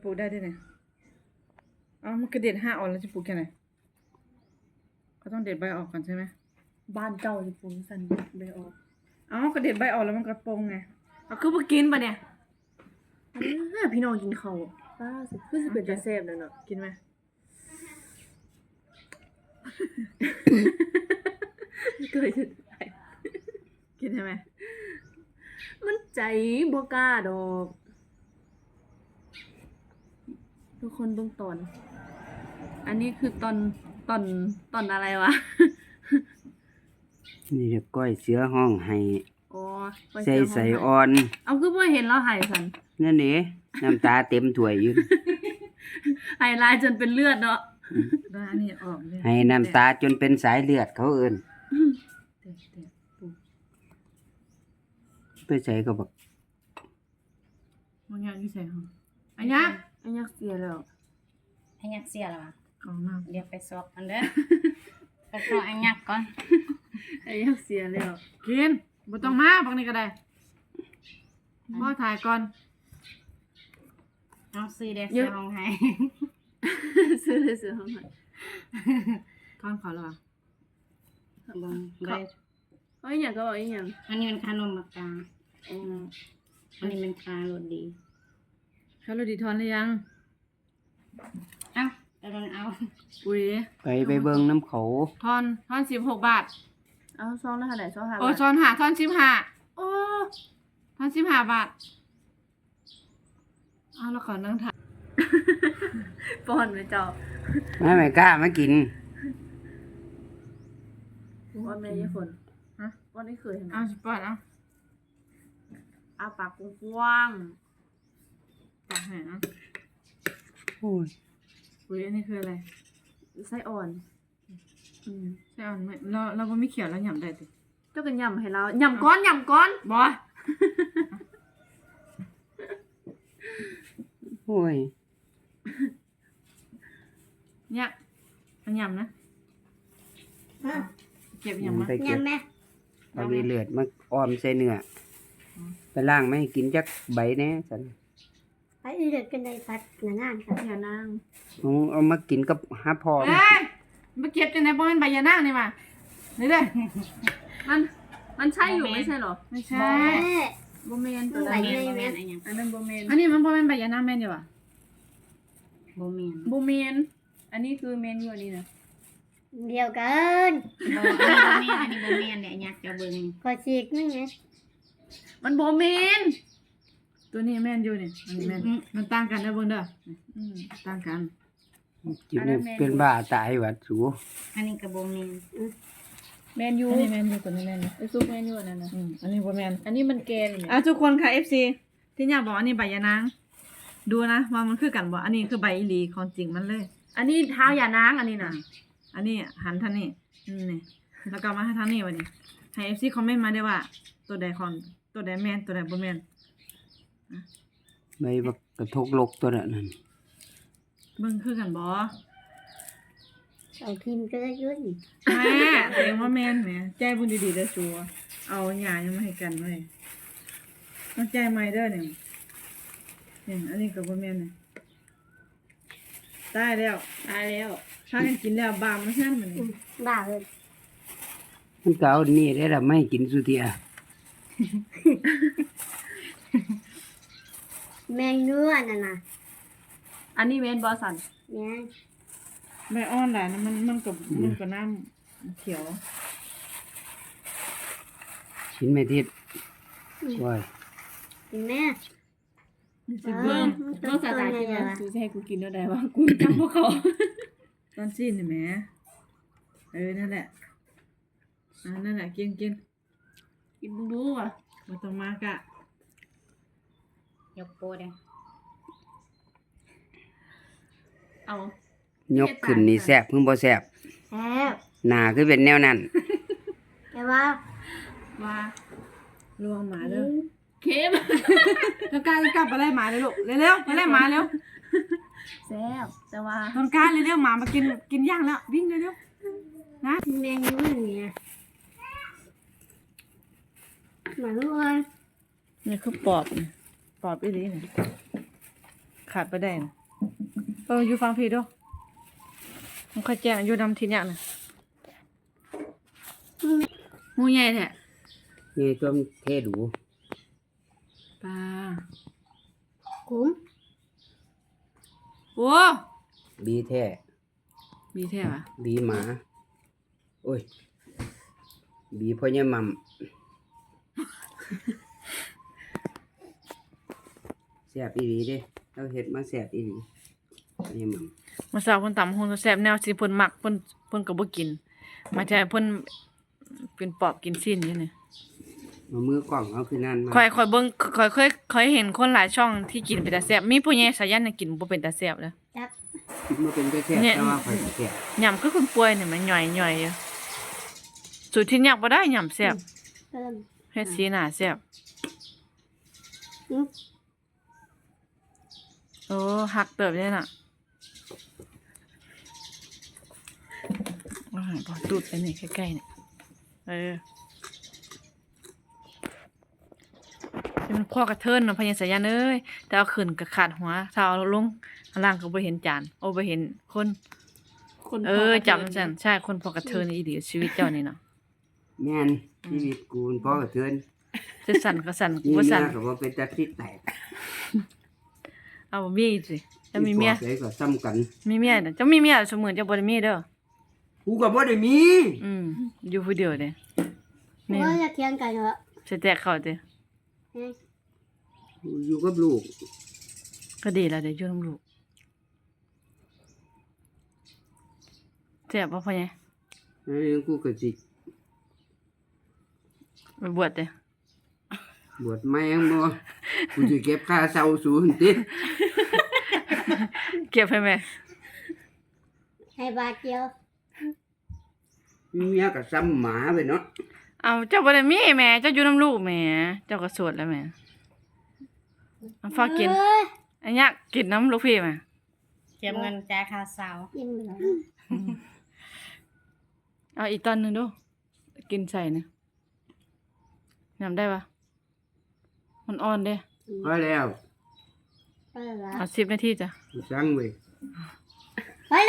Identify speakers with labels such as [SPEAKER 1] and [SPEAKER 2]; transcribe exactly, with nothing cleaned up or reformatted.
[SPEAKER 1] ลูกได้ด้วยเนี่ยอ๋อมันกระเด็ดห้าออกแล้วจะปลูกยังไงก็ต้องเด็ดใบออกก่อนใช่ไหม
[SPEAKER 2] บ้านเก่าจะปลูกสันใบออก
[SPEAKER 1] อ๋อกระเด็ดใบออกแล้วมันกระโปรงไงเอาคือพวกกินปะเนี่ย
[SPEAKER 2] อ่าพี่น้องกินเขาป้าสิคือสิเป็นตาแซ่บแล้วเนาะ
[SPEAKER 1] กินไหม
[SPEAKER 2] เคยจะได้
[SPEAKER 1] กินใช่ไหม
[SPEAKER 2] มันใจบ่กล้าดอกทุกคนเบิ่งตอนอันนี้คือตอนตอนตอนอะไรวะ
[SPEAKER 3] นี่จะก้อยเสือห้องให้
[SPEAKER 2] อ๋อ
[SPEAKER 3] ใส่ใส่อ่อน
[SPEAKER 2] เอาคือบ่เห็นแล้วหายสัน
[SPEAKER 3] นั่นเด้น้ำตาเต็มถ้วยอยู่
[SPEAKER 2] หายลายจนเป็นเลือดเนาะ
[SPEAKER 1] ได้อันนี้ออกเลย
[SPEAKER 3] ให้น้ำตาจนเป็นสายเลือดเขาเอิ้น
[SPEAKER 1] เตะเตะปุ๊บ
[SPEAKER 3] ไปใส่ก็บอก
[SPEAKER 1] มันยังยี่ใส่ห้องอันยัก
[SPEAKER 2] อันยักเสียแล้ว
[SPEAKER 4] อันยักเสียแล้วอ่ะ
[SPEAKER 1] กองน้ำ
[SPEAKER 4] เดี๋ยวไปสอบกันเด้อ ไปสอบอันยักก่อน
[SPEAKER 2] อันยักเสียแล้ว
[SPEAKER 1] กินบ่ต้องมาบางนี้ก็ได้พ่อถ่ายก่อน
[SPEAKER 4] เอาซื้อเด็กซื้อห้องให้
[SPEAKER 2] ซื้อเลยซื้อห้องให้
[SPEAKER 1] ท่อนเขาแล้วอ่ะ
[SPEAKER 4] บ่บ่ได้
[SPEAKER 2] เฮ้ยอย่างก็บอกอีหยัง
[SPEAKER 4] อันนี้มันขนมมากา
[SPEAKER 2] อ๋อ
[SPEAKER 4] อันนี้มันคารสดี
[SPEAKER 1] เขาเราดีทอนหรือยัง
[SPEAKER 4] เอ้าเอาลองเอา
[SPEAKER 1] อุ้ย
[SPEAKER 3] ไปไปเบิ่งน้ำเขา
[SPEAKER 1] ทอนทอนสิบหกบาท
[SPEAKER 2] เอาซองละเท่าไหร่ซองห้า
[SPEAKER 1] โอ้
[SPEAKER 2] บาท
[SPEAKER 1] ทอนหาทอนสิบห้าโอ้ทอนสิบห้าบาทเอาแล้วขอนั่งถ่าย
[SPEAKER 2] ป้อนไปเจ้า
[SPEAKER 3] ไม่ไม่กล้ามากิน
[SPEAKER 2] ป้อนแม่ยี่ฝน
[SPEAKER 1] ฮะ
[SPEAKER 2] ป้อนไม่เคยเห็น
[SPEAKER 1] เอาสิปอดเอา
[SPEAKER 2] เอาปากกว้าง
[SPEAKER 1] ปากแห้งเอา
[SPEAKER 3] โอ้ย
[SPEAKER 1] อุ้ยอันนี้คืออะไร
[SPEAKER 2] ๆไส้อ่อนอืม
[SPEAKER 1] ใช่อ่อนไหมเราเราบ่มีเขียวแล้วหยำได้ติ
[SPEAKER 2] เจ้ากันยำให้เรายำก้อนยำก้อน
[SPEAKER 1] บ่
[SPEAKER 3] โอ้ย
[SPEAKER 1] เนี่ยมันหยำนะเก็บหยำมา
[SPEAKER 3] ไปเก็บเอาไปเลือดมาอ้อมใส่เนื้อไปล้างไม่ให้กินจักใบแหน่สัน
[SPEAKER 5] ไปเลือกกันในพัดหนานานครับ
[SPEAKER 2] อย่านาง
[SPEAKER 3] เอาเอามากินกับหาพอ
[SPEAKER 1] เอ้ยมาเก็บจังไหนบ่แม่นใบยานางนี่มานี่เด้อ
[SPEAKER 2] มันมันใช่อยู่ไม่ใช่เหรอ
[SPEAKER 1] ไม่ใช่
[SPEAKER 5] แม่
[SPEAKER 2] โบเมนตัว
[SPEAKER 4] บ่
[SPEAKER 2] นั้น
[SPEAKER 4] แม่นบ่แม่นอันยัง
[SPEAKER 2] อันนั้นโบเมน
[SPEAKER 1] อันนี้มันบ่แม่นใบยานางแม่นอยู่ว่ะ
[SPEAKER 4] บ่แม่น
[SPEAKER 2] โบเมนอันนี้คือเมนอยู่อันนี้นะ
[SPEAKER 5] เดียวกัน
[SPEAKER 4] บ่อันนี้บ่แม่นอันนี้บ่แม่นเนี่ยอันยักจะเบิ่ง
[SPEAKER 5] ขอฉีกนึงไง
[SPEAKER 2] มันโบเมน
[SPEAKER 1] ตัวนี้แม่นอยู่นี่อันนี้แม่นมันต่างกันเด้อเบิ่งเด้ออืมต่างกัน
[SPEAKER 3] กินนี่เป็นบ้าตายหวัดสู
[SPEAKER 4] อันนี้ก็บ่แม่น
[SPEAKER 2] เมนยู
[SPEAKER 1] อันนี้แม่นอยู่ตัวนี้แม่นอยู่
[SPEAKER 2] ไอซุปเมนยูอันนั้นนะ
[SPEAKER 1] อืมอันนี้บ่แม่น
[SPEAKER 2] อันนี้มันแกน
[SPEAKER 1] อ่ะทุกคนค่ะ เอฟ ซี ที่อยากบอกอันนี้ใบยานางดูนะว่ามันคือกันบ่อันนี้คือใบอีหลีของจริงมันเลย
[SPEAKER 2] อันนี้เท้าอย่านางอันนี้นะ
[SPEAKER 1] อันนี้หันทางนี้อืมนี่แล้วก็มาทางนี้วันนี้ให้ เอฟ ซี คอมเมนต์มาได้ว่า ตัวใดของตัวใดแม่นตัวใดบ่แม่น
[SPEAKER 3] ใบบักกระทกลกตัวนั้นนั่น
[SPEAKER 1] เบิ่งคือกันบ่
[SPEAKER 5] เอาทีมก็ได้ยุ่น
[SPEAKER 1] แม่เองว่าแม่นแหมใจบุญดีๆเด้อชัวเอาหญ้ายังมาให้กันเว้ยต้องใจใหม่เด้อนี่นี่อันนี้ก็บ่แม่นนี่ตายแล้ว
[SPEAKER 2] ตายแล้ว
[SPEAKER 1] ถ้ากันกินแล้วบามมาซั่นมันนี่
[SPEAKER 5] บ้าเลย
[SPEAKER 3] มันก็เอานี่ได้ละไม่ให้กินสุเทีย
[SPEAKER 5] แมงเนื้อน่ะนะ
[SPEAKER 2] อันนี้เมนบอสัน
[SPEAKER 5] แม่ง
[SPEAKER 1] ใบอ่อนหลายนะมันมันก็มันก็น้ำเขียว
[SPEAKER 3] ชิ้นไม่ทิศว้ย
[SPEAKER 5] เห็นไหม
[SPEAKER 1] สิเบิ่ง
[SPEAKER 5] มัน
[SPEAKER 2] เมื่อสา
[SPEAKER 5] ตัว
[SPEAKER 2] ตาย
[SPEAKER 5] ไง
[SPEAKER 2] กิน
[SPEAKER 5] ล่ะ
[SPEAKER 2] นะคือจะให้กูกินแล้วได้วะกูจำพวกเขา
[SPEAKER 1] ตอนสิ้นนี่แหมเออนั่นแหละอ่านั่นแหละกินกิน
[SPEAKER 2] กินมึงดูอ่ะ
[SPEAKER 1] บ่ต้องมากะ
[SPEAKER 4] ยกโปเด้อ
[SPEAKER 2] เอา
[SPEAKER 3] ยกขึ้นนี่แซ่บเพิ่งบ่แซ่บ
[SPEAKER 5] แซ่บ
[SPEAKER 3] หน้าคือเป็นแนวนั้น
[SPEAKER 5] แต่ว่า
[SPEAKER 2] ว่า
[SPEAKER 1] ลวงหมาเด้อ
[SPEAKER 2] เค็ม
[SPEAKER 1] ต้องการกลับไปไล่หมาเลยลูกเร็วๆไปไล่หมาเร็ว
[SPEAKER 2] แซ่บแต่ว่า
[SPEAKER 1] ต้องการเร็วๆหมามากินกินย่างแล้ววิ่งเร็วๆนะ
[SPEAKER 5] แมงเนื้อเนี่ยหมาลูกอ่ะ
[SPEAKER 1] นี่คือปอบนี่ปอบอีหลีนี่ขขาดไปได้นะเอออยู่ฟังพี่ด้วยมันค่อยแจ้งอยู่นำทีเนี้ยนะ
[SPEAKER 2] หมูใหญ่แท้
[SPEAKER 3] นี่ต้มเทดู
[SPEAKER 2] ปลา
[SPEAKER 5] คุ้ม
[SPEAKER 2] โอ้
[SPEAKER 3] บีแท้
[SPEAKER 2] มีแท้ปะ
[SPEAKER 3] บีหมา โอ้ย บีพ่อเนี่ยมัมแซ่บอีหลีเด้เราเฮ็ดมาแซ่บอีหลีพ่อเนี่ยมัม
[SPEAKER 1] มาสาวเพิ่นตำหุ่นแซ่บแนวสิเพิ่นมักเพิ่นเพิ่นก็บ่กินมาใช่เพิ่นเป็นปอบกินสิ้นอยู่นี่
[SPEAKER 3] มามือกล่องเอาคือนั่นมา
[SPEAKER 1] ค่อยค่อยเบิ่งค่อยเคยเคยเห็นคนหลายช่องที่กินเป็นตาแซ่บมีผู้ใหญ่สายันน่ะกินบ่เป็นตาแซ่บเลย
[SPEAKER 5] จัก
[SPEAKER 3] มาเป็นแต่แซ่บ
[SPEAKER 1] เนี่ย
[SPEAKER 3] แต่ว่าข่อยก็แซ่บ
[SPEAKER 1] ยำคือคนป่วยนี่มันย่อยๆอยู่สูตรที่ยากบ่ได้ยำแซ่บ
[SPEAKER 5] เพิ่ม
[SPEAKER 1] เฮ็ดสีหน้าแซ่บ
[SPEAKER 5] อืม
[SPEAKER 1] โอ้หักเติบเลยน่ะอาพอตูดไปนี่ใกล้ๆนี่เออเป็นพ่อกระเทินเนาะพญาสายันเอ้ยแต่เอาขึ้นก็ขาดหัวถ้าเอาลงข้างล่างก็บ่เห็นจานโอ้บ่เห็นคน
[SPEAKER 2] คน
[SPEAKER 1] เออ
[SPEAKER 2] พกระ
[SPEAKER 1] จำซั่นใช่คนพ่อกระเทินอีหลีชีวิตเจ้านี่เนาะ
[SPEAKER 3] แม่นชีวิตกูมันพอกระเทือน
[SPEAKER 1] จะสั่นก็สั่น
[SPEAKER 3] นี่
[SPEAKER 1] บ่
[SPEAKER 3] เมี
[SPEAKER 1] สั่
[SPEAKER 3] ย
[SPEAKER 1] น
[SPEAKER 3] ก็บ่เป็นตาที่แตก
[SPEAKER 1] เอาบ่มีสิจะมีเมีย
[SPEAKER 3] ปอบใดก็ซ้ำกัน
[SPEAKER 1] มีเมียน่ะจะมีเมียเสมือนจะบ่ได้มีเด้อ
[SPEAKER 3] กูก็บ่ได้มี
[SPEAKER 1] อืมอยู่ผู้เดียวเด้นี่
[SPEAKER 5] ว่าจะเทียงกันเหรอ
[SPEAKER 1] สิแตกเข้าเด้
[SPEAKER 5] เฮ้ย
[SPEAKER 3] กูอยู่กับลูก
[SPEAKER 1] ก็ดีแล้วเดี๋ยวอยู่นำลูกแซ่บบ่พ่อใหญ่
[SPEAKER 3] อันนี้กูก็สิ
[SPEAKER 1] ไปบวชเด้
[SPEAKER 3] บวชแม่งบ่กูสิเก็บค่าเช่าสูงติ
[SPEAKER 1] เก็บให้แม่
[SPEAKER 5] ให้บาทเดียว
[SPEAKER 3] มีเมียก็ซ้ำหมาไปเนาะ
[SPEAKER 1] เอาเจ้าบ่ได้มีแม่เจ้าอยู่นำลูกแม่เจ้าก็โสดแล้วแม่เอาฝากกิน
[SPEAKER 5] เอ้ย
[SPEAKER 1] อันยากกินน้ำลูกพี่แม่
[SPEAKER 4] เก็บเงินจ่ายค่าเสา
[SPEAKER 5] ยังเหลือ
[SPEAKER 1] เอาอีกตอนหนึงดูกินใส่นี่ยำได้ปะมันอ่อนเด้
[SPEAKER 3] พอแล้ว
[SPEAKER 5] ไปละ
[SPEAKER 1] เอาสิบนาทีจ้ะ
[SPEAKER 3] กูสั่งเว้ย